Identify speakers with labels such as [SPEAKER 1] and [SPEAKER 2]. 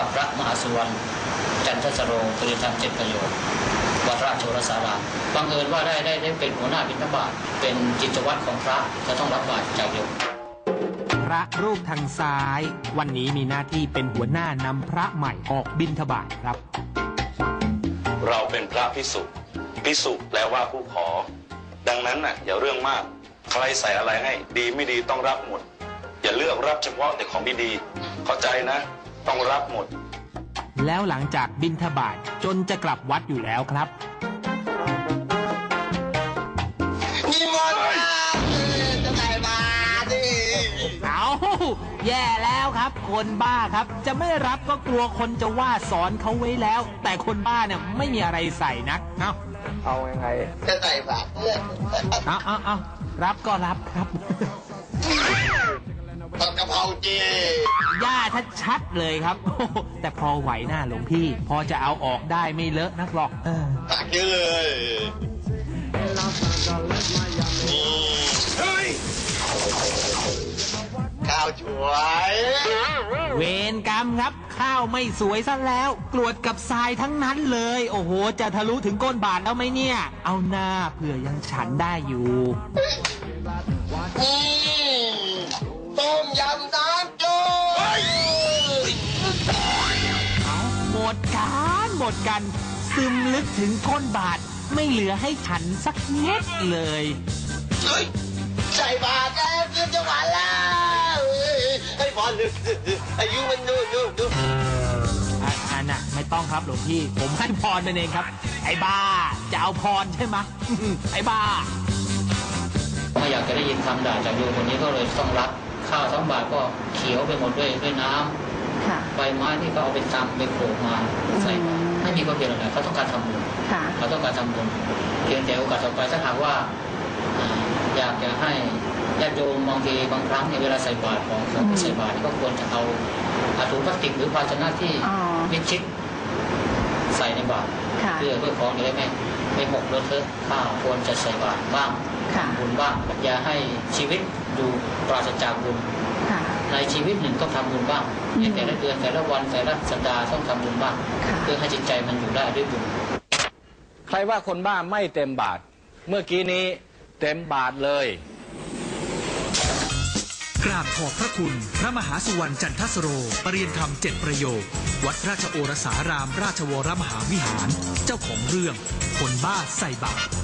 [SPEAKER 1] พระมหาสุวรรณจันทสโรปริธรรม7 ประโยควัดราชโอรสารามบังเอิญว่าได้เป็นหัวหน้าบิณฑบาตเป็นกิจวัตรของพระจะต้องรับบาตรจากโยม
[SPEAKER 2] พระรูปทางซ้ายวันนี้มีหน้าที่เป็นหัวหน้านำพระใหม่ออกบิณฑบาตครับ
[SPEAKER 3] เราเป็นพระภิกษุภิกษุแปลว่าผู้ขอดังนั้นน่ะอย่าเรื่องมากใครใส่อะไรให้ดีไม่ดีต้องรับหมดอย่าเลือกรับเฉพาะแต่ของดีๆเข้าใจนะต้องรับหมด
[SPEAKER 2] แล้วหลังจากบิณฑบาตจนจะกลับวัดอยู่แล้วครับ
[SPEAKER 4] นิมนต์จะใส่บาตรดิ
[SPEAKER 2] เอาแย่แล้วครับคนบ้าครับจะไม่รับก็กลัวคนจะว่าสอนเขาไว้แล้วแต่คนบ้าเนี่ยไม่มีอะไรใส่นัก
[SPEAKER 4] เอายังไงจะใส่บาตรเพื่อน
[SPEAKER 2] เอารับก็รับครับ
[SPEAKER 4] ผัดกะเพราเจ
[SPEAKER 2] ย่าชัดเลยครับแต่พอไหวหน้าหลวงพี่พอจะเอาออกได้ไม่เลอะนักหรอก
[SPEAKER 4] ตักเยอะเลยนี่ข้าวสวย
[SPEAKER 2] เวรกรรมครับข้าวไม่สวยซะแล้วกรวดกับทรายทั้งนั้นเลยโอ้โหจะทะลุถึงก้นบาทแล้วไหมเนี่ยเอาหน้าเผื่อยังฉันได้อยู่
[SPEAKER 4] ต้มยำน้ำจุ๊
[SPEAKER 2] หมดกันซึมลึกถึงก้นบาทไม่เหลือให้ฉันสักเม็ดเลย
[SPEAKER 4] ใส่บาตรแล้วขึ้นจังหวะแล้วให้พรอายุมันดู
[SPEAKER 2] อันน่ะไม่ต้องครับหลวงพี่ผมให้พรมันเองครับไอ้บ้าจะเอาพรใช่ไหมไอ้บ้า
[SPEAKER 1] ไม่อยากจะได้ยินคำด่าจากโยมคนนี้ก็เลยต้องรับข้าว2 บาทก็เขียวไปหมดด้วยน้ำใบไม้ที่เขาเอาไปตำไปโขลกมาใส่ไม่มีความเพียรอะไรเขาต้องการทำบุญเขาต้องการทำบุญเพียงแต่โอกาสต่อไปถ้าหากว่าอยากจะให้ญาติโยมบางทีบางครั้งในเวลาใส่บาตรของใส่บาตรก็ควรจะเอาถุงพลาสติกหรือภาชนะที่มิดชิดใส่ในบาตรเพื่อของจะได้ไม่หกเลอะเทอะข้าวควรจะใส่บาตรบ้างบุญบ้างอย่าให้ชีวิตอยู่ปราศจากบุญในชีวิตหนึ่งต้องทำบุญบ้างในแต่ละเดือนแต่ละวันแต่ละสัปดาห์ต้องทำบุญบ้างเพื่อให้จิตใจมันอยู่ได้ด้วยบุญ
[SPEAKER 5] ใครว่าคนบ้าไม่เต็มบาทเมื่อกี้นี้เต็มบาทเลย
[SPEAKER 6] กราบขอบพระคุณพระมหาสุวรรณจันทสโรปริยธรรม7 ประโยควัดราชโอรสารามราชวรมหาวิหารเจ้าของเรื่องคนบ้าใส่บาตร